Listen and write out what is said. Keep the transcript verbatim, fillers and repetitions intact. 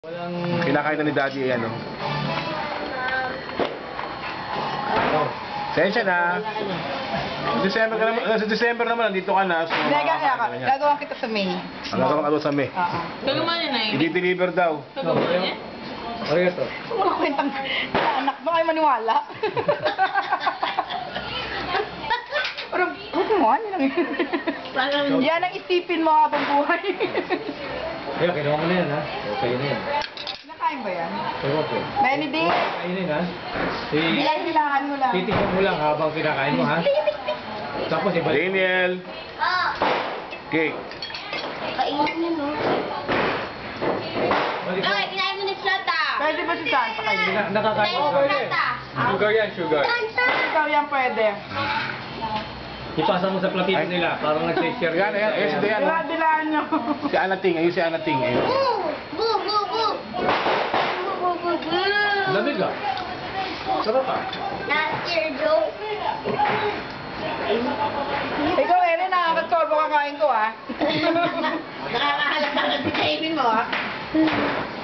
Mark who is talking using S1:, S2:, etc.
S1: Walang...
S2: Kinakain na ni Daddy yan, no? Oh. Sensya na. December ka naman, sa December naman, nandito ka na. So,
S3: Hindi, gagawin ka. Gagawa kita sa May.
S2: Ang gagawin ka doon sa May.
S3: Oo.
S4: Gagawa niya na yun.
S2: I-deliver daw.
S4: Gagawa niya?
S1: Arigato.
S3: Wala kwentang sa anak mo kayo maniwala. Pero, huwag mo, ano lang yun. Yan ang isipin mo habang buhay.
S1: Kaya, kinuha mo na yan, ha? Okay na yan.
S3: Nakain ba yan?
S1: Ewan ko.
S3: Many days.
S1: Kainin, ha? Si...
S3: Bilang-bilangan mo lang.
S1: Titignan mo lang habang kinakain mo, ha? Tapos, iba...
S2: Daniel. Cake.
S5: Kainin niyo, no?
S1: Balik mo.
S5: Okay, kinain mo ni Flata.
S3: Pwede ba si Santa kayo?
S1: Na- Nakakain
S5: Kinain
S1: mo.
S5: mo ni Flata.
S1: Sugar yan, sugar.
S3: Ikaw yan pwede.
S1: Ipasa mo sa platito nila. Parang nag-share.
S2: Yan, yan, ayun si Dayan.
S3: Bilang-bilangan nyo.
S2: Si Anating, ayun si Anating. Ayun.
S5: Boo! Boo! Boo! Boo! Boo! Boo! Boo!
S1: Lamig, ah. Sarap, ah.
S5: Last year, Joe.
S3: Ikaw, Erin, nakakatsorbo kakain ko, ah.
S5: Nakakahalata ka sa kainin mo, ah.